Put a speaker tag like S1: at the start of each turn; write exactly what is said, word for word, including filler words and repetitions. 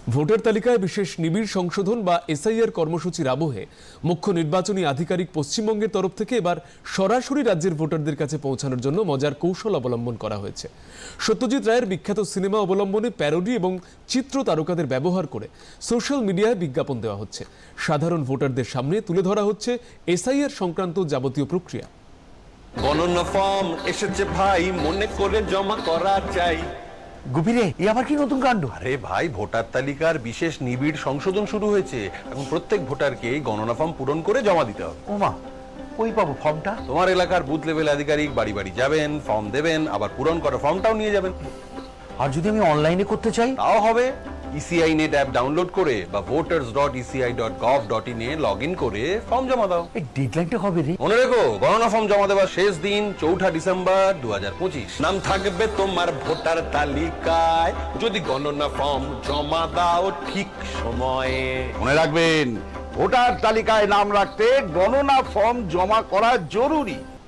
S1: Voter তালিকায় বিশেষ নিবিড় সংশোধন বা এসআইআর কর্মসূচির আবহে মুখ্য নির্বাচনী আধিকারিক পশ্চিমবঙ্গের তরফ থেকে এবার সরাসরি রাজ্যের ভোটারদের কাছে পৌঁছানোর জন্য মজার কৌশল অবলম্বন করা হয়েছে। সত্যজিৎ রায়ের বিখ্যাত সিনেমা অবলম্বনে প্যারোডি এবং চিত্র তারকাদের ব্যবহার করে সোশ্যাল মিডিয়ায় বিজ্ঞাপন দেওয়া হচ্ছে। সাধারণ ভোটারদের সামনে তুলে ধরা হচ্ছে এসআইআর সংক্রান্ত যাবতীয় প্রক্রিয়া।
S2: গণনা ফর্ম এসেছে ভাই, মনে করে জমা করা চাই।
S3: গুপিরে এ আবার কি নতুন কাণ্ড?
S2: আরে ভাই, ভোটার তালিকার বিশেষ নিবিড় সংশোধন শুরু হয়েছে। এখন প্রত্যেক ভোটারকে গণনা ফর্ম পূরণ করে জমা দিতে হবে।
S3: ওমা, ওই পাবো ফর্মটা?
S2: তোমার এলাকার বুথ লেভেল আধিকারিক বাড়ি বাড়ি যাবেন, ফর্ম দেবেন, আবার পূরণ করা ফর্মটাও নিয়ে যাবেন।
S3: আর যদি আমি অনলাইনে করতে চাই?
S2: তাও হবে। ইসিআই নেট অ্যাপ ডাউনলোড করে বা voters dot ECI dot gov dot in এ লগ ইন করে ফর্ম জমা দাও।
S3: এই ডেডলাইনটা কবে রে?
S2: মনে রেখো, গণনা ফর্ম জমা দেওয়ার শেষ দিন চৌঠা ডিসেম্বর দু হাজার পঁচিশ। নাম থাকবে তোমার ভোটার তালিকায় যদি গণনা ফর্ম জমা দাও ঠিক সময়ে।
S4: মনে রাখবেন, ভোটার তালিকায় নাম রাখতে গণনা ফর্ম জমা করা জরুরি।